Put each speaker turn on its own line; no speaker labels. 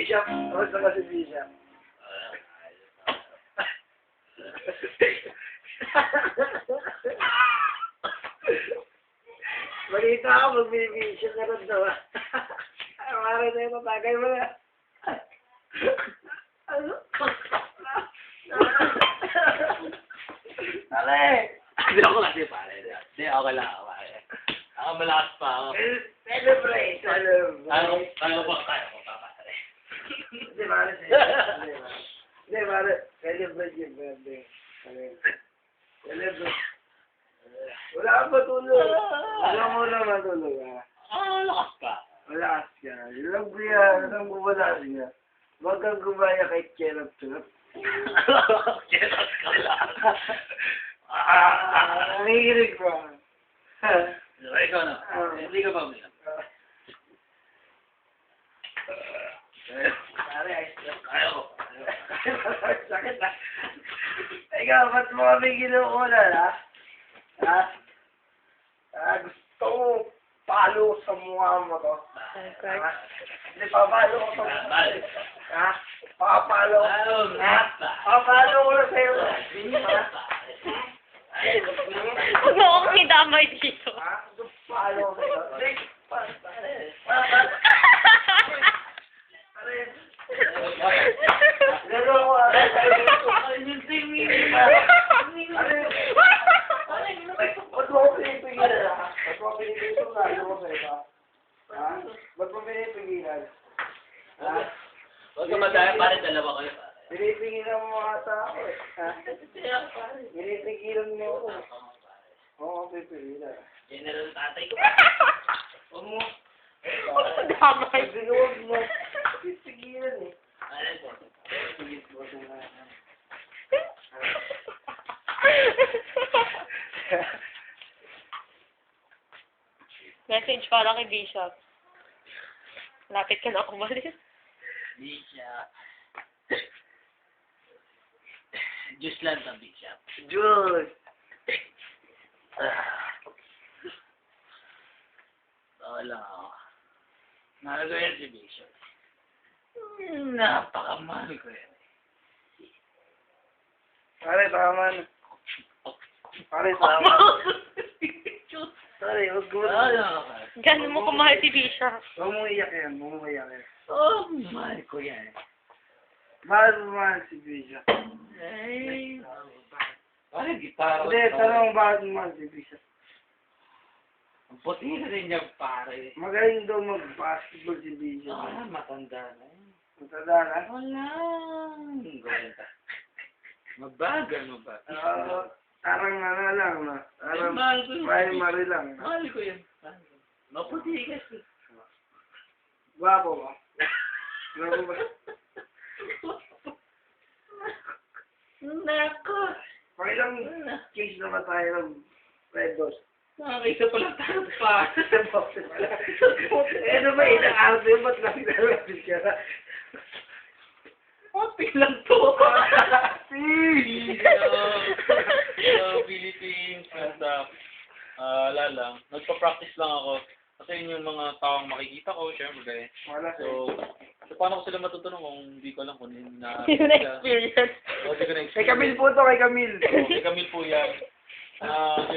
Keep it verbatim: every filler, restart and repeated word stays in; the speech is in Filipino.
Bishop. Kamusta ka si Bishop? Balita ako, mag-Bishop na rin daw. Mara na yung matagay mo na. Ano? Ale!
Hindi ako kasi pare. Hindi, okay lang ako pare. Ako malakas pa ako.
Celebrate! Celebrate!
Tayo, tayo po, tayo po pa pare.
Hindi, pare. Hindi, pare. Celebrate yung birthday. Celebrate. Wala kang matulog. Wala mo lang matulog, ha?
Ah, lakas pa.
Malakas ka. Ilang ko yan. Ilang ko malakas ka. Huwag kang gumaya kay Cherap-Cherap.
Keras ka lang.
Ah, nangihirig ba?
Ikaw na. Hindi ka pa umiyak.
Pare, ayos na.
Ayaw ko.
Sakit na. Ikaw, ba't mo kami ginuulan, ha? Ha? Ah, gusto ko palo sa mukha mo to. Ha? Hindi, papalo ko sa mukha mo. Ha? Papalo ko. Ha? Papalo ko na sa'yo. Ha?
Huwag mo akong idamay dito.
Ha? Papalo ko sa'yo. Hindi, pare. Pare. Lalo ko, pare. Ba't mo ako pinipigilan, ha? Ba't mo ako pinipigilan? Lalo ko sa'yo, ha? Ba't mo pinipigilan? Ha?
Huwag ka madaya, pare dalawa kayo pare.
Pinipigilan mo mga tao, eh. Ha? Pinipigilan mo ako. Oo, ako pipigilan.
General tatay ko. Huwag mo.
Damay.
Hindi ko huwag mo. Pipigilan, eh.
Ano po?
Pigil mo sa mga...
Message para kay Bishop. Lapit ka na umalis.
Bishop. Diyos lang sa Bishop.
Diyos!
Wala ako. Mahal ko yan si Bishop. Napakamahal ko yan.
Pare, tama na. Pare, tama. Pare, huwag mo.
Wala ka.
Diyan mo kumahal si Bishop.
Huwag mo iyak yan. Huwag mo iyak yan.
Oh, mahal ko yan.
Mahal mo mahal si Bishop.
Ay. Pare, gitara.
Hindi, tanong bakit mo mahal si Bishop.
Ang puti na rin niya, pare.
Magaling daw mag-basketball si Bishop.
Ah, matanda na yun.
Matanda na?
Wala. Gawin ka. Mabagal mo ba?
Oo. Parang ano lang, no? Parang
Mahal ko yun.
primary lang.
Mahal ko yan. Maputi kasi.
Gwapo ba? Gwapo ba?
Nako.
Pakilang case naman tayo ng Red Dot.
Nakakaisa pala tayo pa.
Sa boxe pala. Eh, ano ba ina-out yun? Ba't lang nalapit ka na?
Happy lang to.
Please!
Hello, Philippines. Basta, ah, wala lang. Nagpa-practice lang ako. Kasi yun yung mga taong makikita ko, syempre.
Wala
So, so paano ko sila matutunan kung hindi ko lang kung hindi na...
Hindi ko na-experience.
O, hindi ko
Kay
na-experience.
Camille po to, kay Camille.
So, kay Camille po yan. Ah,